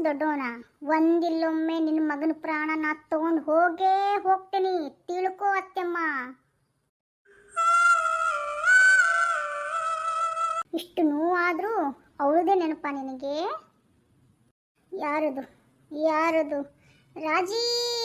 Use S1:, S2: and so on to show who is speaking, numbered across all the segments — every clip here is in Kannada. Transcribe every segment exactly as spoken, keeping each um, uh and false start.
S1: ದೊಡ್ಡವನ ಒಂದಿಲ್ಲೊಮ್ಮೆ ನಿನ್ನ ಮಗನ ಪ್ರಾಣ ನಾ ತಗೊಂಡು ಹೋಗೇ ಹೋಗ್ತೀನಿ, ತಿಳ್ಕೋ ಅತ್ತೆಮ್ಮ. ಇಷ್ಟು ನೋವಾದರೂ ಅವಳದೇ ನೆನಪ ನಿನಗೆ? ಯಾರದು ಯಾರದು? ರಾಜಿ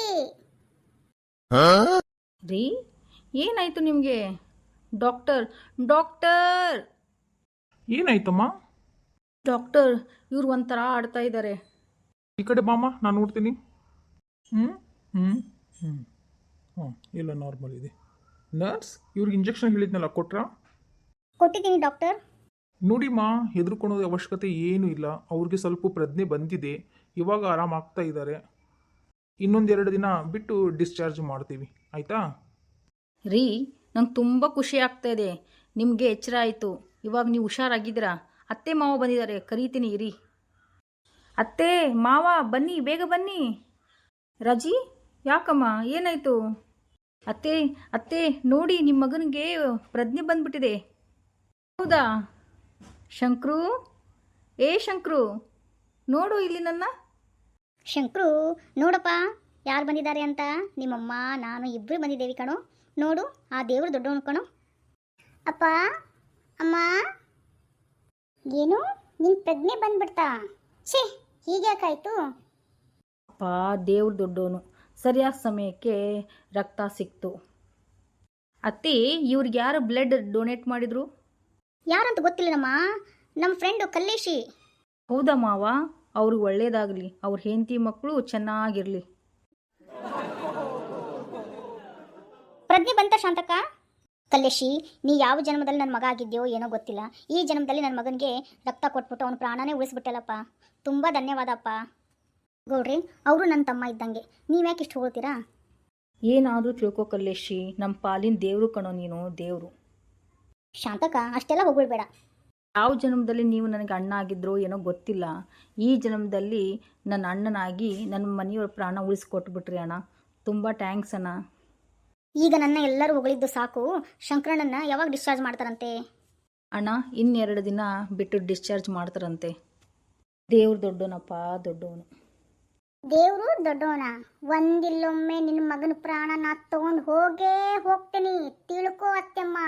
S2: ರೀ, ಏನಾಯ್ತು ನಿಮಗೆ? ಡಾಕ್ಟರ್ ಡಾಕ್ಟರ್
S3: ಏನಾಯ್ತಮ್ಮ?
S2: ಡಾಕ್ಟರ್, ಇವ್ರು ಒಂಥರ ಆಡ್ತಾ ಇದ್ದಾರೆ.
S3: ಈ ಕಡೆ ಬಾಮ, ನಾನು ನೋಡ್ತೀನಿ. ಹ್ಞೂ ಹ್ಞೂ ಹ್ಞೂ ಹಾಂ, ಇಲ್ಲ ನಾರ್ಮಲ್ ಇದೆ. ನರ್ಸ್, ಇವ್ರಿಗೆ ಇಂಜೆಕ್ಷನ್ ಹೇಳಿದ್ನಲ್ಲ, ಕೊಟ್ರಾ?
S1: ಕೊಟ್ಟಿದ್ದೀನಿ ಡಾಕ್ಟರ್.
S3: ನೋಡಿಮ್ಮ, ಹೆದರ್ಕೊಳೋದು ಅವಶ್ಯಕತೆ ಏನೂ ಇಲ್ಲ. ಅವ್ರಿಗೆ ಸ್ವಲ್ಪ ಪ್ರಜ್ಞೆ ಬಂದಿದೆ, ಇವಾಗ ಆರಾಮಾಗ್ತಾ ಇದ್ದಾರೆ. ಇನ್ನೊಂದೆರಡು ದಿನ ಬಿಟ್ಟು ಡಿಸ್ಚಾರ್ಜ್ ಮಾಡ್ತೀವಿ, ಆಯಿತಾ?
S2: ರೀ, ನಂಗೆ ತುಂಬ ಖುಷಿ ಆಗ್ತಾ ಇದೆ. ನಿಮಗೆ ಎಚ್ಚರ ಆಯಿತು, ಇವಾಗ ನೀವು ಹುಷಾರಾಗಿದ್ದೀರಾ. ಅತ್ತೆ ಮಾವ ಬಂದಿದ್ದಾರೆ, ಕರೀತೀನಿ ಇರಿ. ಅತ್ತೆ ಮಾವ ಬನ್ನಿ, ಬೇಗ ಬನ್ನಿ. ರಾಜಿ, ಯಾಕಮ್ಮ, ಏನಾಯಿತು? ಅತ್ತೆ ಅತ್ತೆ ನೋಡಿ, ನಿಮ್ಮ ಮಗನಿಗೆ ಪ್ರಜ್ಞೆ ಬಂದ್ಬಿಟ್ಟಿದೆ. ಹೌದಾ? ಶಂಕ್ರು, ಏ ಶಂಕ್ರು, ನೋಡು ಇಲ್ಲಿ ನನ್ನ.
S1: ಶಂಕ್ರು, ನೋಡಪ್ಪ ಯಾರು ಬಂದಿದ್ದಾರೆ ಅಂತ. ನಿಮ್ಮಮ್ಮ ನಾನು ಇಬ್ಬರು ಬಂದಿದ್ದೇವೆ ಕಣೋ. ನೋಡು, ಆ ದೇವರು ದೊಡ್ಡವನು ಕಣೋ. ಅಪ್ಪ, ಅಮ್ಮ, ಏನು ನಿನ್ನ ಪ್ರಜ್ಞೆ ಬಂದ್ಬಿಡ್ತಾ? ಛೇ, ಹೀಗ್ಯಾಕಾಯ್ತು?
S2: ಅಪ್ಪ, ದೇವ್ರು ದೊಡ್ಡವನು, ಸರಿಯಾದ ಸಮಯಕ್ಕೆ ರಕ್ತ ಸಿಕ್ತು. ಅತ್ತಿ, ಇವ್ರಿಗೆ ಯಾರು ಬ್ಲಡ್ ಡೊನೇಟ್ ಮಾಡಿದ್ರು?
S1: ಯಾರಂತ ಗೊತ್ತಿಲ್ಲನಮ್ಮ, ನಮ್ಮ ಫ್ರೆಂಡು ಕಲ್ಲೇಶಿ.
S2: ಹೌದಾ ಮಾವ? ಅವ್ರಿಗೆ ಒಳ್ಳೇದಾಗಲಿ, ಅವ್ರ ಹೆಂಡತಿ ಮಕ್ಕಳು ಚೆನ್ನಾಗಿರಲಿ.
S1: ಪ್ರಜ್ಞೆ ಬಂತ ಶಾಂತಕ್ಕ? ಕಲ್ಲೇಶಿ, ನೀ ಯಾವ ಜನ್ಮದಲ್ಲಿ ನನ್ನ ಮಗ ಆಗಿದ್ಯೋ ಏನೋ ಗೊತ್ತಿಲ್ಲ, ಈ ಜನ್ಮದಲ್ಲಿ ನನ್ನ ಮಗನಿಗೆ ರಕ್ತ ಕೊಟ್ಬಿಟ್ಟು ಅವನ ಪ್ರಾಣನೇ ಉಳಿಸ್ಬಿಟ್ಟಲ್ಲಪ್ಪ. ತುಂಬ ಧನ್ಯವಾದಪ್ಪ. ಗೌಡ್ರಿ, ಅವರು ನನ್ನ ತಮ್ಮ ಇದ್ದಂಗೆ, ನೀವ್ಯಾಕೆ ಇಷ್ಟು ಹೋಗ್ತೀರಾ?
S2: ಏನಾದರೂ ತಿಳ್ಕೊ ಕಲ್ಲೇಶಿ, ನಮ್ಮ ಪಾಲಿನ ದೇವರು ಕಣೋ ನೀನು, ದೇವರು.
S1: ಶಾಂತಕ್ಕ, ಅಷ್ಟೆಲ್ಲ ಹೋಗ್ಬಿಡ್ಬೇಡ.
S2: ಯಾವ ಜನ್ಮದಲ್ಲಿ ನೀವು ನನಗೆ ಅಣ್ಣ ಆಗಿದ್ರೋ ಏನೋ ಗೊತ್ತಿಲ್ಲ, ಈ ಜನ್ಮದಲ್ಲಿ ನನ್ನ ಅಣ್ಣನಾಗಿ ನನ್ನ ಮನೆಯವ್ರ ಪ್ರಾಣ ಉಳಿಸ್ಕೊಟ್ಬಿಟ್ರಿ ಅಣ್ಣ. ತುಂಬ ಟ್ಯಾಂಕ್ಸ್ ಅಣ್ಣ.
S1: ಈಗ ನನ್ನ ಎಲ್ಲರೂ ಹೊಗಳಿದ್ದು ಸಾಕು. ಶಂಕರಣ್ಣನ ಯಾವಾಗ ಡಿಸ್ಚಾರ್ಜ್ ಮಾಡ್ತಾರಂತೆ?
S2: ಅಣ್ಣ, ಇನ್ನೆರಡು ದಿನ ಬಿಟ್ಟು ಡಿಸ್ಚಾರ್ಜ್ ಮಾಡ್ತಾರಂತೆ. ದೇವ್ರು ದೊಡ್ಡವನಪ್ಪ, ದೊಡ್ಡವನು.
S1: ದೇವರು ದೊಡ್ಡವನ ಒಂದಿಲ್ಲೊಮ್ಮೆ ನಿನ್ನ ಮಗನ ಪ್ರಾಣ ನಾ ತಗೊಂಡು ಹೋಗೇ ಹೋಗ್ತೀನಿ, ತಿಳ್ಕೋ ಅತ್ತೆಮ್ಮ.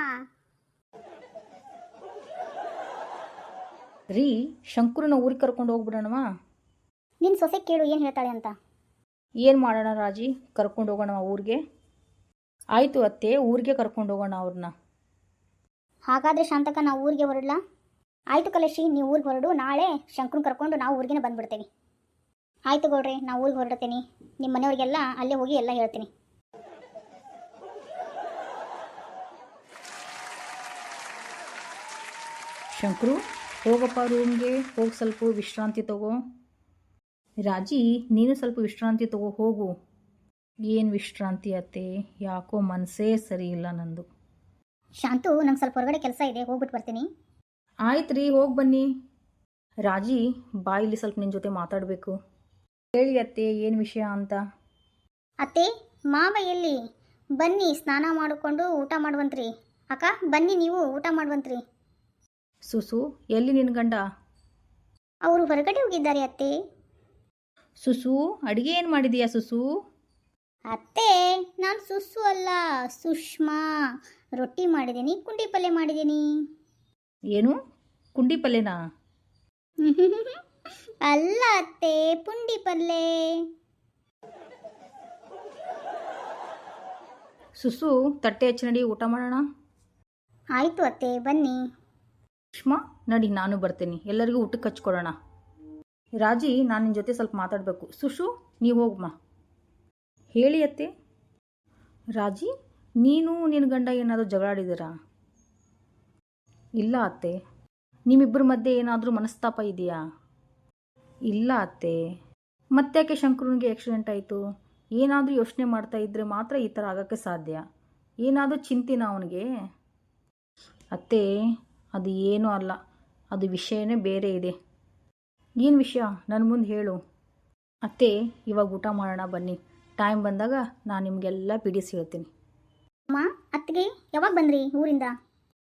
S2: ರೀ, ಶಂಕರನ ಊರಿಗೆ ಕರ್ಕೊಂಡು ಹೋಗ್ಬಿಡೋಣವಾ?
S1: ನಿನ್ನ ಸೊಸೆ ಕೇಳು ಏನು ಹೇಳ್ತಾಳೆ ಅಂತ.
S2: ಏನು ಮಾಡೋಣ ರಾಜಿ, ಕರ್ಕೊಂಡು ಹೋಗೋಣ ಊರಿಗೆ? ಆಯಿತು ಅತ್ತೆ, ಊರಿಗೆ ಕರ್ಕೊಂಡು ಹೋಗೋಣ ಅವ್ರನ್ನ.
S1: ಹಾಗಾದರೆ ಶಾಂತಕ, ನಾವು ಊರಿಗೆ ಹೊರಡ್ಲಾ? ಆಯಿತು ಕಲೇಶಿ, ನೀವು ಊರಿಗೆ ಹೊರಡು. ನಾಳೆ ಶಂಕರನ್ ಕರ್ಕೊಂಡು ನಾವು ಊರಿಗೆ ಬಂದುಬಿಡ್ತೇವೆ. ಆಯಿತು ಗೌಡ್ರಿ, ನಾವು ಊರಿಗೆ ಹೊರಡ್ತೀನಿ. ನಿಮ್ಮ ಮನೆಯವ್ರಿಗೆಲ್ಲ ಅಲ್ಲೇ ಹೋಗಿ ಎಲ್ಲ ಹೇಳ್ತೀನಿ.
S2: ಶಂಕರು, ಹೋಗಪ್ಪ ರೂಮ್ಗೆ, ಹೋಗಿ ಸ್ವಲ್ಪ ವಿಶ್ರಾಂತಿ ತಗೋ. ರಾಜಿ, ನೀನು ಸ್ವಲ್ಪ ವಿಶ್ರಾಂತಿ ತಗೋ, ಹೋಗು. ಏನು ವಿಶ್ರಾಂತಿ ಅತ್ತೆ, ಯಾಕೋ ಮನಸ್ಸೇ ಸರಿ ಇಲ್ಲ ನಂದು.
S1: ಶಾಂತು, ನಂಗೆ ಸ್ವಲ್ಪ ಹೊರಗಡೆ ಕೆಲಸ ಇದೆ, ಹೋಗ್ಬಿಟ್ಟು ಬರ್ತೀನಿ.
S2: ಆಯ್ತು ರೀ, ಹೋಗಿ ಬನ್ನಿ. ರಾಜಿ, ಬಾಯಿಲಿ ಸ್ವಲ್ಪ ನಿನ್ನ ಜೊತೆ ಮಾತಾಡಬೇಕು. ಹೇಳಿ ಅತ್ತೆ, ಏನು ವಿಷಯ ಅಂತ.
S1: ಅತ್ತೆ, ಮಾವ ಎಲ್ಲಿ? ಬನ್ನಿ, ಸ್ನಾನ ಮಾಡಿಕೊಂಡು ಊಟ ಮಾಡುವಂತ್ರಿ. ಅಕ್ಕ, ಬನ್ನಿ ನೀವು ಊಟ ಮಾಡುವಂತ್ರಿ.
S2: ಸುಸು, ಎಲ್ಲಿ ನಿನ್ನ ಗಂಡ?
S1: ಅವರು ಹೊರಗಡೆ ಹೋಗಿದ್ದಾರೆ ಅತ್ತೆ.
S2: ಸುಸು, ಅಡುಗೆ ಏನು ಮಾಡಿದೀಯಾ ಸುಸು?
S1: ಅತ್ತೆ, ನಾನು ಸುಸ್ಸು ಅಲ್ಲ, ಸುಷ್ಮಾ. ರೊಟ್ಟಿ ಮಾಡಿದ್ದೀನಿ, ಕುಂಡಿ ಪಲ್ಯ ಮಾಡಿದ್ದೀನಿ.
S2: ಏನು, ಕುಂಡಿ ಪಲ್ಯನಾ?
S1: ಅಲ್ಲ ಅತ್ತೆ, ಪುಂಡಿ ಪಲ್ಯ.
S2: ಸುಸು, ತಟ್ಟೆ ಹಚ್ಚಿ ನಡಿ, ಊಟ ಮಾಡೋಣ.
S1: ಆಯಿತು ಅತ್ತೆ, ಬನ್ನಿ.
S2: ಸುಷ್ಮಾ, ನಡಿ, ನಾನು ಬರ್ತೀನಿ, ಎಲ್ಲರಿಗೂ ಊಟಕ್ಕೆ ಹಚ್ಕೊಡೋಣ. ರಾಜಿ, ನಾನು ನಿನ್ನ ಜೊತೆ ಸ್ವಲ್ಪ ಮಾತಾಡಬೇಕು. ಸುಶು, ನೀವು ಹೋಗಮ್ಮ. ಹೇಳಿ ಅತ್ತೆ. ರಾಜಿ, ನೀನು ನಿನ್ನ ಗಂಡ ಏನಾದರೂ ಜಗಳಾಡಿದ್ದೀರಾ? ಇಲ್ಲ ಅತ್ತೆ. ನಿಮ್ಮಿಬ್ಬರ ಮಧ್ಯೆ ಏನಾದರೂ ಮನಸ್ತಾಪ ಇದೆಯಾ? ಇಲ್ಲ ಅತ್ತೆ. ಮತ್ತ್ಯಾಕೆ ಶಂಕರನಿಗೆ ಆಕ್ಸಿಡೆಂಟ್ ಆಯಿತು? ಏನಾದರೂ ಯೋಚನೆ ಮಾಡ್ತಾ ಇದ್ದರೆ ಮಾತ್ರ ಈ ಥರ ಆಗೋಕ್ಕೆ ಸಾಧ್ಯ. ಏನಾದರೂ ಚಿಂತೆನಾ ಅವನಿಗೆ? ಅತ್ತೆ, ಅದು ಏನೂ ಅಲ್ಲ, ಅದು ವಿಷಯನೇ ಬೇರೆ ಇದೆ. ಏನು ವಿಷಯ, ನನ್ನ ಮುಂದೆ ಹೇಳು. ಅತ್ತೆ, ಇವಾಗ ಊಟ ಮಾಡೋಣ ಬನ್ನಿ. ಟೈಮ್ ಬಂದಾಗ ನಾನು ನಿಮಗೆಲ್ಲ ಬಿಡಿಸಿ ಹೇಳ್ತೀನಿ.
S1: ಅಮ್ಮ, ಅತ್ತಿಗೆ ಯಾವಾಗ ಬಂದ್ರಿ ಊರಿಂದ?